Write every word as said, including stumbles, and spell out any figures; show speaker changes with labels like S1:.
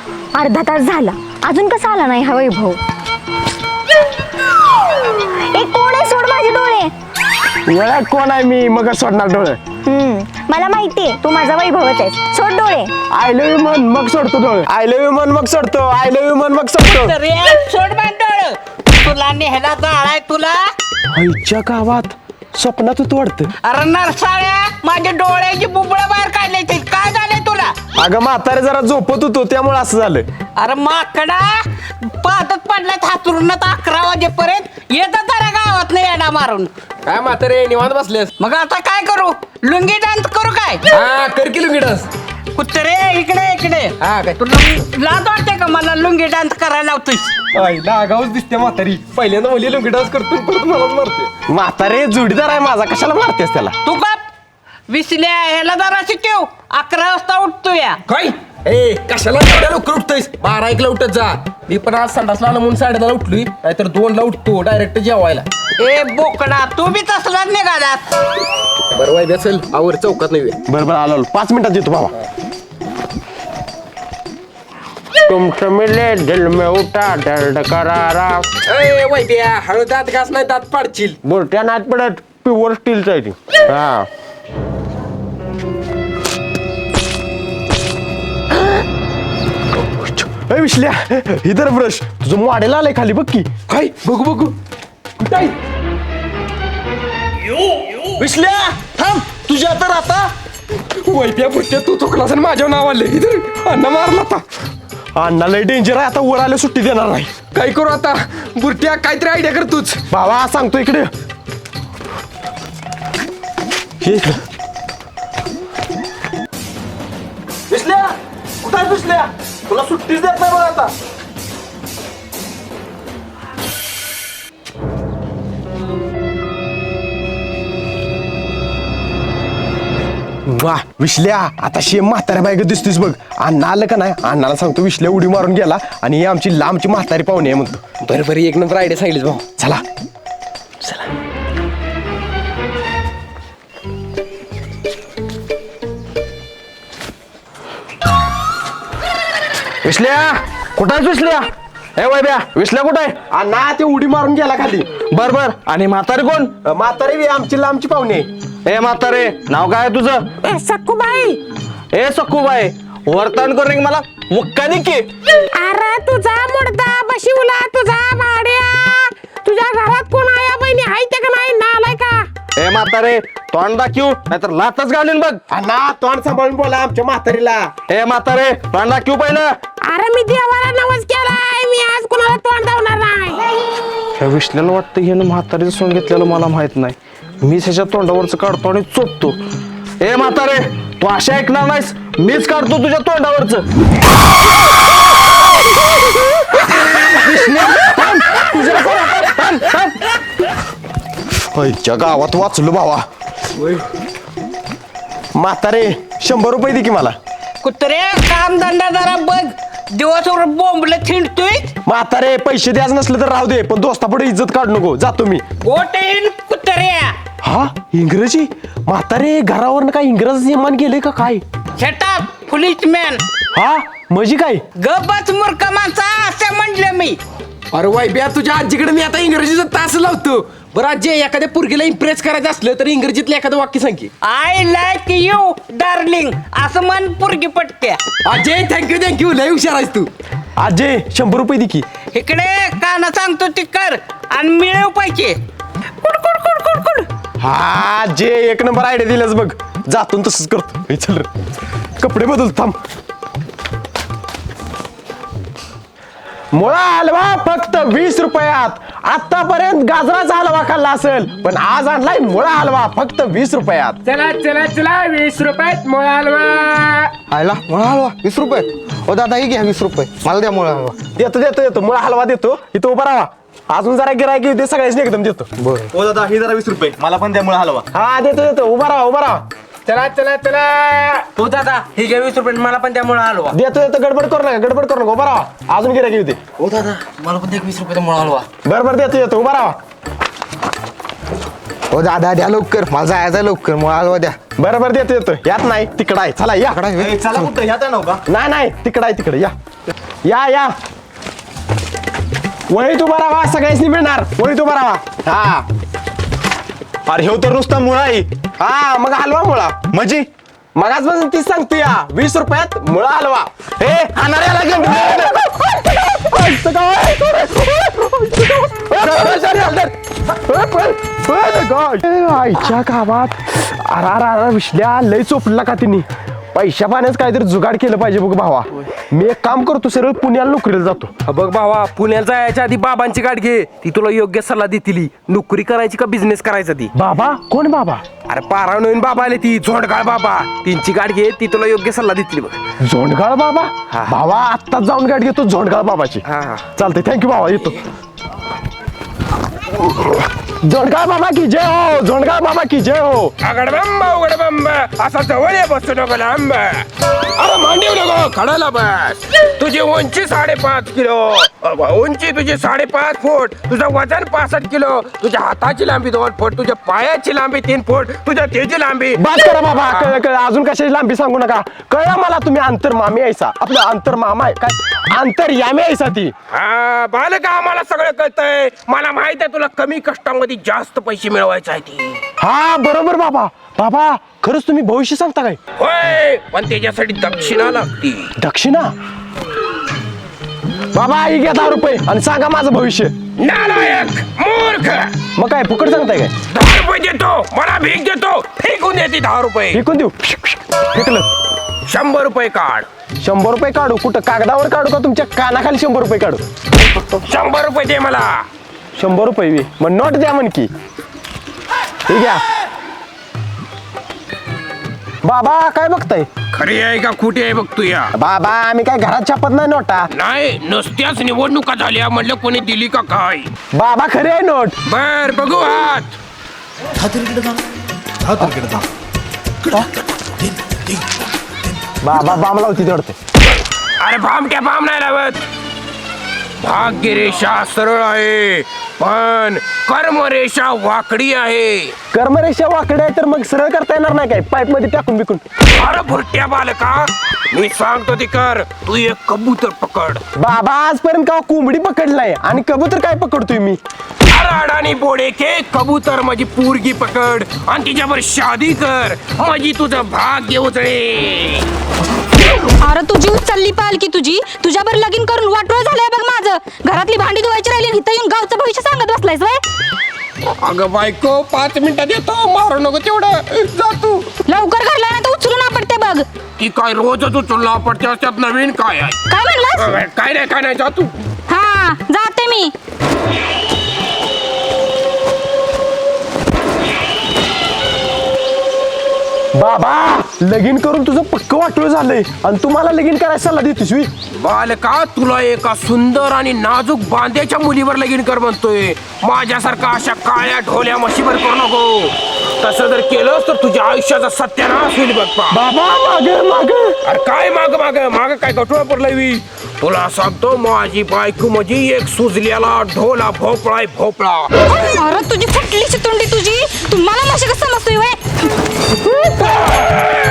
S1: अर्धा तास झाला अजून कसा आला नाही हा वैभव. ए कोण आहे, सोड माझे डोळे.
S2: वेळा कोण आहे मी मग सोडणार डोळे.
S1: हम्म मला माहितीये तू माझा वैभवच आहेस, सोड डोळे.
S2: आय लव्ह यू मन मग सोडतो डोळे. आय लव्ह यू मन मग सोडतो. आय लव्ह यू मन मग सोडतो.
S3: रे सोड बांधळ, तुला नेहला जाळाय तुला.
S2: आईच्या गावात स्वप्नात तू वाढत.
S3: अरे नरसाळ्या, माझ्या डोळ्याची बुबळ बाहेर काढले ते काय झालंय तुला.
S2: अगं म्हातारे जरा झोपत होतो त्यामुळे असं झालं.
S3: अरे माकडा, पाहतच पडलाय हातरून अकरा वाजेपर्यंत येतात जरा गावात नाही येडा मारून.
S4: काय म्हातारे निवांत बसलेस.
S3: मग आता काय करू, लुंगी डान्स करू काय.
S4: हा कर की लुंगी डान्स.
S3: कुत्रे इकडे इकडे.
S4: हा काय
S3: तुला लाज वाटते का मला लुंगी डान्स करायला लावतोस.
S4: आईला आगाऊच दिसते म्हातारी. पहिल्यांदा मुली लुंगी डान्स करतो परत मलाच मारते.
S2: म्हातारे जोडीदार आहे माझा, कशाला मारतेस त्याला.
S3: तू का विसल्या ह्याला जरा शिकव, अकरा वाजता उठतो या.
S4: काय ए कशाला एवढ्या लवकर उठतोयस. बारा एकला उठत जा. मी पण आज संडासला आलो म्हणून साडेदहाला उठलोय, नाहीतर दोनला उठतो डायरेक्ट जेवायला.
S3: ए बोकडा, तू बी तसलाच निघालात.
S4: बरं वाय चल आवर चौकात नाही.
S2: बरं बरं आलो आलो. पाच मिनिटात येतो बाबा. तुमचं मिले दिल में उठा दर्द करारा.
S4: ए वैद्या हळू दात घास नाही दात पाडशील.
S2: बोलत्या नात पडत प्युअर स्टीलचं आहे ती. हा ए विश्ल्या, इधर ब्रश तुझं मॉडेल आलंय खाली बघ की.
S4: काय बघू बघू कुठं आहे?
S2: विश्ल्या थांब, तुझ्या तर आता
S4: वैद्या पुढच्या तू चुकलास आणि माझ्यावर नाव आले. इधर अण्णा मारला आता.
S2: अण्णा लय डेंजर आहे, आता वर आले सुट्टी देणार नाही.
S4: काय करू आता बुरट्या, काहीतरी आयडिया कर तूच.
S2: बाबा सांगतो इकडे हे इकडं. विश्ल्या कुठं आहे विश्ल्या, तुला सुट्टीच देत नाही बघ आता. वा विश्ल्या, आता शेम म्हाताऱ्या बायक दिसतोस बघ. अण्णा आलं का नाही, अण्णाला सांगतो विश्ल्या उडी मारून गेला आणि ही आमची लांबची म्हातारी पाहुणे आहे म्हणतो.
S4: बरं बरं एक नंबर आयडिया सांगितलीस भाऊ.
S2: चला विश्ल्या कुठं आहेस विश्ल्या. ए वैब्या विश्ल्या कुठं आहे. अण्णा ते उडी मारून गेला खाली. बर बर. आणि म्हातारे कोण. म्हातारे बी आमची लांबची पाहुणे. ए म्हातारे नाव काय तुझं.
S3: ए सक्कूबाई.
S2: ए सक्कूबाई वर्तन करून मला मुक्कानी की.
S3: अरे तुझा मुडदा बशिवला तुझा भाड्या. तुझ्या घरात कोण आया बहिणी आहे ते का नाही नालाय का.
S2: ए म्हातारे तोंड दाखवू नाहीतर लातच घालून बघ. अण्णा तोंड सांभाळून बोला आमच्या म्हातारीला. ए म्हातारे तोंड दाखवू पहिलं.
S3: अरे मी देवाला नवस केलाय, मी आज कोणाला तोंड दावणार नाही.
S2: ह्या विश्ल्याला वाटतं हे म्हातारीचं सोंग घेतलेलं मला माहित नाही. मीच ह्याच्या तोंडावरच काढतो आणि चोपतो. ए म्हातारे तू अशा ऐकणार नाहीस, मीच काढतो तुझ्या तोंडावरच. गावात वाचलो भावा. म्हातारे शंभर रुपये दे की मला.
S3: कुत्रे काम धंदा जरा बघ, दिवसभर बोंबल थिंडतोय.
S2: म्हातारे पैसे द्यायचं नसलं तर राहू दे, पण दोस्तापुढे इज्जत काढू नको. जातो मी.
S3: गोटेन कुत्र्या.
S2: हा इंग्रजी. म्हातारे घरावरनं काय इंग्रजी निर्माण केलंय का काय.
S3: Shut up policeman.
S2: हा म्हणजे काय.
S3: गबच मूर्ख माणसा असं म्हटलं मी.
S4: अरे वैब्या तुझ्या आजीकडे मी आता इंग्रजीचा तास लावतो. बरं आजी एखाद्या पोरगीला इम्प्रेस करायचं असलं तर इंग्रजीतलं एखादं वाक्य सांग की.
S3: आय लाईक यू डार्लिंग असं मन पुरगी पटक्या.
S4: अजय थँक्यू थँक्यू लय हुशार आहेस तू.
S2: अजय शंभर रुपये दे की.
S3: इकडे काना सांगतो ती कर आणि मिळव पैसे. कुड कुड कुड कुड कुड.
S2: हा जे एक नंबर आयडिया दिलास बघ. जातो तसंच करतो. हे चल रे कपडे बदल थांब. मुळा हलवा फक्त वीस रुपयात. आतापर्यंत गाजराचा हलवा खाल्ला असेल, पण आज आणलाय मुळा हलवा फक्त वीस रुपयात.
S4: चला चला चला वीस रुपयात मुळा हलवा.
S5: आयला मुळा हलवा वीस रुपये. ओ दादा ही घ्या वीस रुपये, मला द्या मुळा हलवा.
S2: देतो देतो देतो मुळा हलवा देतो. इथं उभा राहा. अजून जरा गिरायक येऊ दे, सगळ्यांनी एकदम देतो.
S6: हो दादा ही जरा वीस रुपये मला पण त्यामुळे हलवा.
S2: हा देतो देतो. उभा राहा उभा राहा.
S4: चला चला चला. हो दादा ही घ्या वीस रुपये मला पण त्यामुळे हलवा.
S2: देतो देतो. गडबड करू नका गडबड करू नका. उभा राहा. अजून गिरायक येऊ दे.
S5: ओ दादा मला पण द्या वीस रुपये मुळा हलवा.
S2: बरं बरं देतो देतो. उभा राहा.
S5: हो दादा द्या लवकर मला जायचं लवकर मुळा हलवा द्या.
S2: बरं बरं देतो येतो यात नाही तिकडं आहे चला या
S5: इकडं आहे.
S6: ए, चला कुठं ह्यात आहे नव्हता
S2: नाही नाही तिकडं आहे तिकडे या या या वळी तू बरावा सगळ्यांनी मिळणार वळी तू बरावा हा
S6: अरे हे तर नुसता मुळा आहे
S2: हा मग हलवा मुळा
S6: म्हणजे
S2: मगाचपासून तीच सांगतो या वीस रुपयात मुळा हलवा हे खाणाऱ्याला आईच्या गावात अरा अरा विसल्या लय चोपला का तिने पैशा पाण्याच काहीतरी जुगाड केलं पाहिजे बघ भावा मी एक काम करतो सरळ पुण्याला नोकरीला जातो
S4: बघ भावा पुण्याला जायच्या आधी बाबांची गाठ घे ती तुला योग्य सल्ला देतील नोकरी करायची का बिझनेस करायचा ती
S2: बाबा कोण बाबा
S4: अरे पारा नवीन बाबा आले ती झोंडगाळ बाबा त्यांची गाठ घे ती तुला योग्य सल्ला देतील बघ
S2: झोंडगाळ बाबा भावा आत्ताच जाऊन गाठ घेतो झोंडगाळ बाबाची
S4: हा, हा.
S2: चालते थँक्यू भावा येतो झोंडगाळ बाबा की जय हो झोंडगाळ बाबा की जय हो
S4: अगडबंब उघडबंब असा जवळ ये बसू नको लांब अरे मांडीव नको खडाला बस तुझी उंची साडेपाच किलो उंची तुझी साडेपाच फूट तुझं वजन पासष्ट किलो तुझ्या हाताची लांबी दोन फूट तुझ्या पायाची लांबी तीन फूट तुझ्या तेजी लांबी
S2: बात करा बाबा कळ कळ अजून कशाची लांबी सांगू नका कळलं मला तुम्ही अंतर मामी यायचा आपलं अंतर मामा आहे काय अंतर यामी यायचा ती
S4: हा बालका आम्हाला सगळं कळतंय मला माहित आहे तुला कमी कष्टामध्ये जास्त पैसे मिळवायचे आहे ती
S2: हा बरोबर बाबा बाबा खरंच तुम्ही भविष्य सांगता काय
S4: होय पण त्याच्यासाठी दक्षिणा लागती
S2: दक्षिणा बाबा आई घ्या दहा रुपये आणि सांगा माझं भविष्य
S4: नालायक मूर्ख
S2: मग काय फुकट सांगताय काय
S4: दहा रुपये देतो मला भीक देतो फेकून देते दहा रुपये
S2: फेकून देऊ फेकलं
S4: शंभर रुपये काढ
S2: शंभर रुपये काढू कुठं कागदावर काढू का तुमच्या कानाखाली शंभर रुपये काढू
S4: शंभर रुपये दे मला
S2: शंभर रुपये बी मग नोट द्या म्हण की ठीक आहे बाबा काय बघताय
S4: खरी आहे का खोटी आहे बघ तू या
S2: बाबा आम्ही काय घरात छापत नाही नोटा
S4: नाही नुसत्याच निवडणुका झाल्या म्हणलं कोणी दिली का काय
S2: बाबा खरी आहे नोट
S4: बर बघू आत
S2: बाबा बाम लावती तेवढते
S4: अरे भामट्या भाम नाही लावत भाग्यरेषा सरळ आहे पण कर्मरेषा वाकडी आहे
S2: कर्मरेषा वाकडे आहे तर मग सरळ करता येणार नाही काय पाईप मध्ये टाकून बिकून
S4: अरे भुरट्या बालका मी सांगतो ती कर तू एक कबूतर पकड
S2: बाबा आजपर्यंत का कोंबडी पकडलाय आणि कबूतर काय पकडतोय मी
S4: अडाणी बोडे के कबूतर माझी पोरगी पकड आणि तिच्यावर शादी कर माझी तुझं भाग्य उजळे
S1: अरे तुझी उचलली पालकी तुझी तुझ्यावर लगीन करून वाटोळ झालंय बघ माझं घरातली भांडी धुवायची राहिली आणि इथं येऊन गावचं भविष्य सांगत बसलायस वय
S4: अगं बायको पाच मिनिटात येतो मारू नको तेवढं जा तू
S1: लवकर घरला नाही तर उचलून आपटते बघ
S4: ती काय रोजच उचलला पडते त्यात नवीन काय आहे
S1: काय म्हणलास
S4: अगं, काय नाही काय नाही जा तू
S1: हा जाते मी
S2: बाबा लगीन करून तुझं पक्क वाटोळ झालंय आणि तुम्हाला लगीन करायला सल्ला देतोस मी
S4: बालका तुला एका सुंदर आणि नाजूक बांध्याच्या मुलीवर लगीन कर म्हणतोय माझ्यासारखा अशा काळ्या ढोल्या म्हशीवर करू नको तसं जर केलंस तर तुझ्या आयुष्याचा सत्यानाश होईल बघ पा
S2: बाबा मागे मागे
S4: अरे काय माग माग माग काय गटोळा पडलाय मी तुला सांगतो माझी बायको माझी एक सुजलेला ढोला भोपळा आहे, भोपळा
S1: अरे तुझी फुटली चितुंडी तुझी तुम्हाला माशी कसं समजतोय वय